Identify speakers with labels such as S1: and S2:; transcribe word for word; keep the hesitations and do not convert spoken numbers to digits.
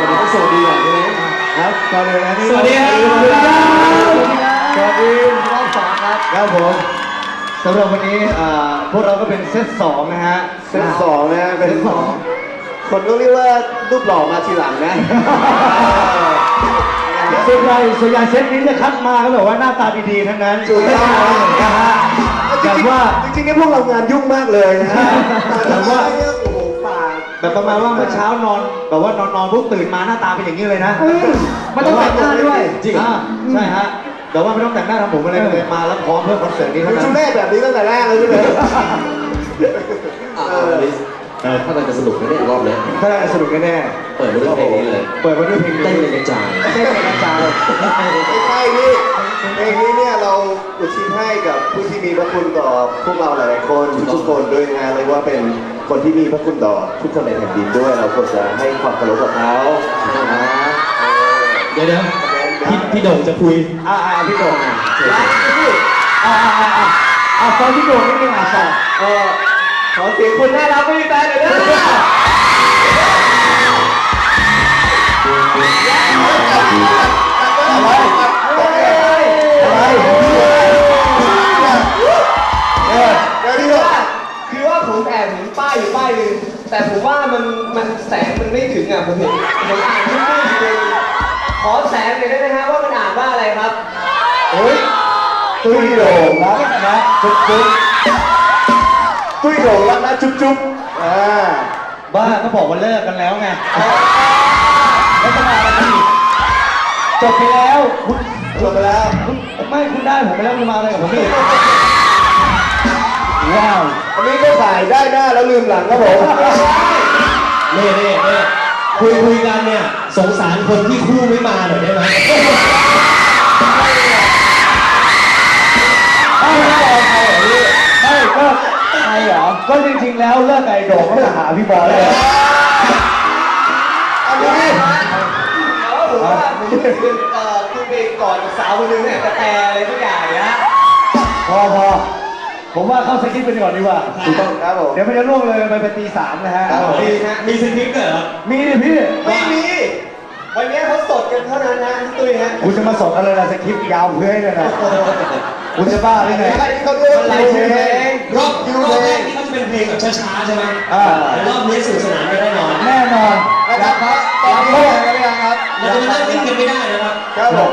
S1: เดี๋ยวต้องสวัสดีก่อนใช่ไหมครับก่อนเลยนะนี่สวัสดีครับสวัสดีสวัสดีรอบสองครับครับผมสำหรับวันนี้พวกเราก็เป็นเซตสองนะฮะเซตสองนะเป็นสองคนก็เรียกว่ารูปหล่อมาทีหลังนะส่วนใหญ่ส่วนใหญ่เซตนี้จะคัดมาก็แบบว่าหน้าตาดีๆทั้งนั้นถูกต้องนะฮะแต่ว่าจริงๆเนี่ยพวกเรางานยุ่งมากเลยนะฮะแต่ว่าโอ้โหปากแบบประมาณว่าเมื่อเช้านอนแบบว่านอนนอนปุ๊บตื่นมาหน้าตาเป็นอย่างนี้เลยนะไม่ต้องแต่งหน้าด้วยจริงใช่ฮะแต่ว่าไม่ต้องแต่งหน้าทำผมอะไรเลยมาแล้วพร้อมเพื่อคอนเสิร์ตนี้เท่านั้นชุดแรกแบบนี้ตั้งแต่แรกเลยใช่ไหม
S2: ถ้าเราจะสนุกแน่ๆรอบนี้
S1: ถ้าเราจะสนุกแน่
S2: ๆเปิดมาด้วยเพลงนี้เลย
S1: เปิดมาด้วยเพลงนี้
S2: เต้นเลยกระจาย
S1: เต้นเลยกระจายไม่ใช่นี่เพลงนี้เนี่ยเราอุทิศให้กับผู้ที่มีพระคุณต่อพวกเราหลายๆคนทุกคนด้วยนะเลยว่าเป็นคนที่มีพระคุณต่อทุกคนในแผ่นดินด้วยเราควรจะให้ความเคารพกับเขา
S2: เดี๋ยวเดี๋ยวพี่พี่โด่งจะคุย
S1: อ่าอ่าพี่โด่งอ่ะอ่าอ่าอ่าอ่าฟังพี่โด่งนิดนึงอ่ะสองเออขอเสียงคนน่ารักไม่มีแฟนหน่อยนะอะไรอะไร
S3: คือว่าผมแอบเห็นป้ายอยู่ป้ายหนึ่งแต่ผมว่ามันมันแสงมันไม่ถึงอ่ะผมเห็นผมอ่านชื่อชื่อขอแสงหน่อยได้ไหมฮะว่ามันอ่านว่าอะไรครับ
S1: โอ้ยตุ้ยโด่งรักนะจุ๊บจุ๊บตุ้ยโด่งรักนะจุ๊บจุ๊บอ่าบ้าก็บอกว่าเลิกกันแล้วไงแล้วจะมาอะไรอีกจบไปแล้วคุณจบไปแล้วคุณไม่คุณได้ผมไปแล้วคุณมาอะไรกับผมอีกว้าวอันนี้ก็ถ่ายได้หน้าแล้วลืมหลังครับผม
S2: เน่เน่เน่คุยคุยกันเนี่ยสงสารคนที่คู่ไม่มาหน่อยได้ไหม
S1: ไม่ไม่เอาใครเหรอพี่ไม่ก็ใครเหรอก็จริงๆแล้วเลิกไก่โด่งก็มาหาพี่บอลเลยอันนี้
S3: แต่ว่าผมว่ามันคือเอ่อคุณไปก่อนกับสาวคนนึงเนี่ยกระแตอะไรทุกอย่างนะ
S1: พอพอผมว่าเข้าสคริปต์ไปก่อนดีกว่าถูกต้องครับผมเดี๋ยวมันจะล่วงเลยไปเป็นตีสามนะฮะ
S2: มีมีสคริปต์เหรอ
S1: มีดิพี่
S3: ไม่มีวันนี้เขาสดกันเท่านั้นนะพี่ตุ้ยฮะ
S1: คุณจะมาสดอะไรล่ะสคริปต์ยาวเพื่อให้เลยนะคุณจะบ้าหรือไง
S3: เขาเรียกว่าเพลง
S2: รอบรอบแรกนี่เขาจะเป็นเพลงแบบช้าๆใช่ไหมอ่ารอบนี้สนุกสนานกันแน่นอน
S1: แน่นอนนะครับ
S3: ตอนนี้เลิกกันหรือยังครับ
S2: เราจะเลิกเล่นกันไม่ได้นะครับ
S1: ครับผม